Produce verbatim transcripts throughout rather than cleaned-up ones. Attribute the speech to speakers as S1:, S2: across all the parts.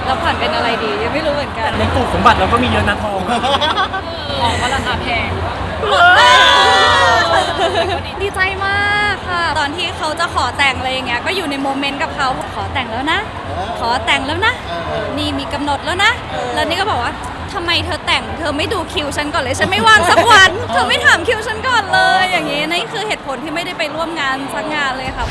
S1: แล้วผ่อนเป็นอะไรดียังไม่รู้เหมือนกัน
S2: ในกลุ่มสมบัติเราก็มีเยอะนะทองอะ
S3: ของก็ราคาแพง
S1: ดีใจมากค่ะตอนที่เขาจะขอแต่งอะไรอย่างเงี้ยก็อยู่ในโมเมนต์กับเขาขอแต่งแล้วนะ ขอแต่งแล้วนะ นี่มีกำหนดแล้วนะ แล้วนี่ก็บอกว่าทำไมเธอแต่งเธอไม่ดูคิวฉันก่อนเลยฉันไม่ว่างสักวัน เธอไม่ถามคิวฉันก่อนเลยอย่างงี้นี่คือเหตุผลที่ไม่ได้ไปร่วมงานสักงานเลยค่ะ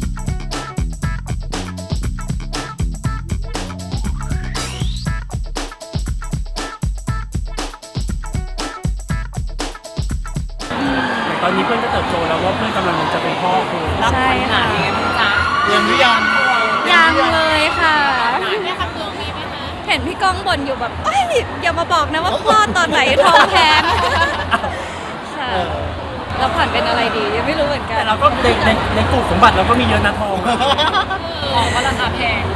S2: ตอนนี้เพื่อนก็เติบโตแล้วว่าเพื่อนกำลังจะเป็นพ่อคือ
S3: รับ
S1: ใช่
S3: ขนา
S1: ค่ะ
S3: ดนี้มั้งจ๊ะ
S4: เตรียมหรือยัง
S1: ยังเลยค่ะ
S3: แม่คำเตือนมีไหมคะ
S1: เห็นพี่ก้องบ่นอยู่แบบเอ้ยอย่ามาบอกนะว่าคลอดตอนไหนท้องแพงค่ะแล้วผ่อนเป็นอะไรดียังไม่รู้เหมือนกัน
S2: แต่เราก็ในในในกลุ่มสมบัติเราก็มีเยอะนะทองอะ
S3: ของก็ราคาแพง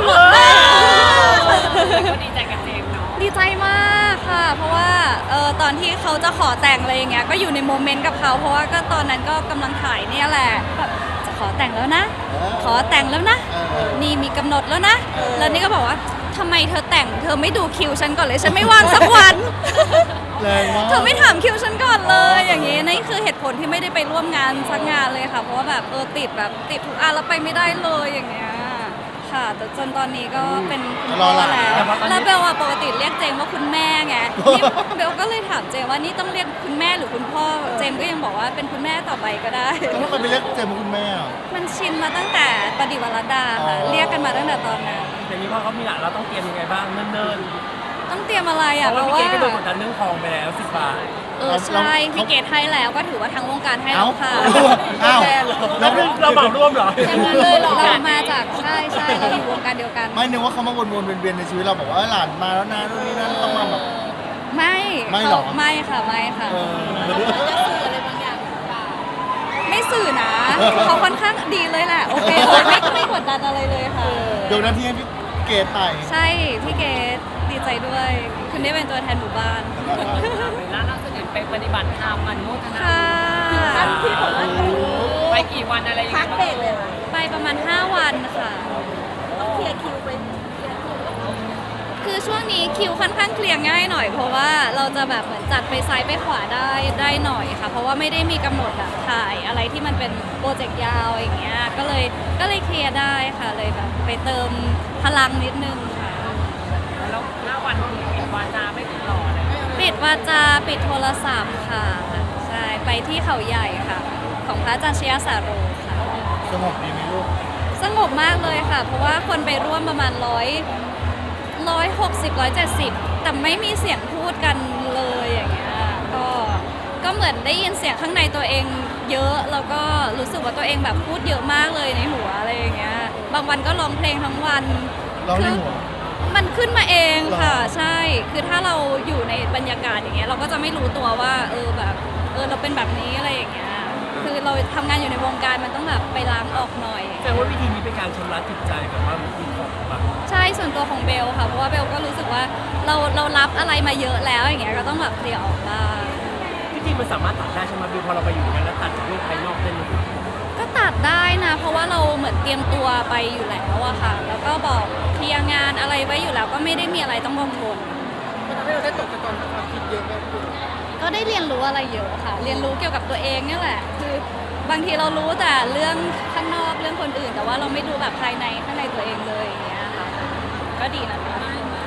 S3: ก็ดีใจกับเจมส์เนาะ
S1: ดีใจมากค่ะ เพราะว่าเออตอนที่เขาจะขอแต่งอะไรอย่างเงี้ยก็อยู่ในโมเมนต์กับเขาเพราะว่าก็ตอนนั้นก็กำลังถ่ายเนี่ยแหละแบบจะขอแต่งแล้วนะ ขอแต่งแล้วนะ นี่มีกำหนดแล้วนะ แล้วนี่ก็บอกว่าทำไมเธอแต่งเธอไม่ดูคิวฉันก่อนเลยฉันไม่ว่างสักวัน
S4: แรงมาก
S1: เธอไม่ถามคิวฉันก่อนเลยอย่างงี้นี่คือเหตุผลที่ไม่ได้ไปร่วมงานสักงานเลยค่ะ เพราะว่าแบบเออติดแบบติดทุกอันแล้วไปไม่ได้เลยอย่างเงี้ยค่ะแต่จนตอนนี้ก็เป็นคุณพ่อแล้วแล้วเบลอะปกติเรียกเจมว่าคุณแม่ไงนี่เบลก็เลยถามเจมว่านี่ต้องเรียกคุณแม่หรือคุณพ่อเจมก็ยังบอกว่าเป็นคุณแม่ต่อไปก็ได้
S4: แล้วทำไมไปเรียกเจมส์ว่าคุณแม่อ่ะ
S1: มันชินมาตั้งแต่ประดิษฐ์วรดาค่ะ
S4: อ๋อ
S1: เรียกกันมาตั้งแต่ตอนนั้น
S2: แต่นี้พอเขามีหลานเราต้องเตรียมยังไงบ้างเนิ่น
S1: ต้องเตรียมอะไร
S2: ๆเพ
S1: อ่ะ
S2: ราะ
S1: เพ
S2: ว่า
S1: ราะ
S2: พี่
S1: ว่า
S2: เกดก็โดนกดดันเรื่องทองไปแล้วสิบบาท
S1: เออใช่พี่เกดให้แล้วก็ถือว่าทั้งวงการให้แล้วค่ะ
S4: เอ้า
S2: เราเราเหมาร่วมเหรอ
S1: อย่างนั้นเลยเหรอเรามาจากใช่ใช่เราอยู่วงการเดียวกัน
S4: ไม่นึกว่าเขามาวนๆเวียนๆในชีวิตเราบอกว่าหลานมาแล้วนะนู่นนี่นั่นต้องมาแบบ
S1: ไม่
S4: ไม่หรอ
S1: เขาไม่ค่ะไม่ค่ะ
S4: เออ
S3: อะไรบางอย่างหรือเปล่า
S1: ไม่สื่อนะ เขาค่อนข้างดีเลยแหละโอเคเลยไม่ไม่กดดันอะไรเลยค่ะ
S4: เดี๋ยวหน้าที่ให้พี่เกดไป
S1: ใช่พี่เกดดีใจด้วย คุณได้เป็นตัวแทนหมู่บ้าน
S3: ล่าสุดเห็นไปปฏิบัติธรรมมันโมทนา
S1: ค่ะ
S3: ที่บอกว่าไปกี่วันอะไรยังไงบ้าง
S1: ไปประมาณห้าวันค่ะ
S3: เคลียร์คิวไป
S1: คือช่วงนี้คิวค่อนข้างเคลียร์ง่ายหน่อยเพราะว่าเราจะแบบเหมือนจัดไปซ้ายไปขวาได้ได้หน่อยค่ะ เพราะว่าไม่ได้มีกำหนดแบบถ่ายอะไรที่มันเป็นโปรเจกต์ยาวอย่างเงี้ยก็เลยก็เลยเคลียร์ได้ค่ะเลยแบบไปเติมพลังนิดนึงค่ะ
S3: แล้วห้าวันปิดวาจาไม่ติดต่อเลย
S1: ปิดวาจาปิดโทรศัพท์ค่ะใช่ไปที่เขาใหญ่ค่ะ ของพระอาจารย์ชยสาโรค่ะ
S4: สงบดีไหมลูก
S1: สงบมากเลยค่ะ เพราะว่าคนไปร่วมประมาณร้อยร้อยหกสิบร้อยเจ็ดสิบแต่ไม่มีเสียงพูดกันเลยอย่างเงี้ยก็ก็เหมือนได้ยินเสียงข้างในตัวเองเยอะแล้วก็รู้สึกว่าตัวเองแบบพูดเยอะมากเลยในหัวอะไรอย่างเงี้ยบางวันก็ร้องเพลงทั้งวัน
S4: ร้องใน
S1: คือ
S4: หัว
S1: มันขึ้นมาเองค่ะ
S4: หรอ
S1: ใช่ คือถ้าเราอยู่ในบรรยากาศอย่างเงี้ยเราก็จะไม่รู้ตัวว่าเออแบบเออเราเป็นแบบนี้อะไรอย่างเงี้ยคือเราทำงานอยู่ในวงการมันต้องแบบไปล้างออกหน่อย
S2: แต่ว่าวิธีนี้เป็นการชำระจิตใจแบบว่ามีของแบบ
S1: ใช่ส่วนตัวของเบลค่ะเพราะว่าเบลก็รู้สึกว่าเราเรารับอะไรมาเยอะแล้วอย่างเงี้ยก็ต้องแบบเคลียร์ออกบ้าง
S2: ที่จริงมันสามารถตัดได้ใช่ไหมบิวพอเราไปอยู่อย่างนั้นแล้วตัดจากโลกภายนอกได้เลย
S1: ก็ตัดได้นะ เพราะว่าเราเหมือนเตรียมตัวไปอยู่แล้วอะค่ะ แล้วก็บอกเคลียร์งานอะไรไว้อยู่แล้วก็ไม่ได้มีอะไรต้องกังวล
S3: มันทำให้เราได้ตกตะกอนความคิดเยอะมากขึ้น
S1: ก็ได้เรียนรู้อะไรเยอะค่ะ เรียนรู้เกี่ยวกับตัวเองเนี่ยแหละ คือบางทีเรารู้แต่เรื่องข้างนอกเรื่องคนอื่น แต่ว่าเราไม่รู้แบบภายในข้างในตัวเองเลยอย่างเงี้ยค่ะ ก็ดีนะคะ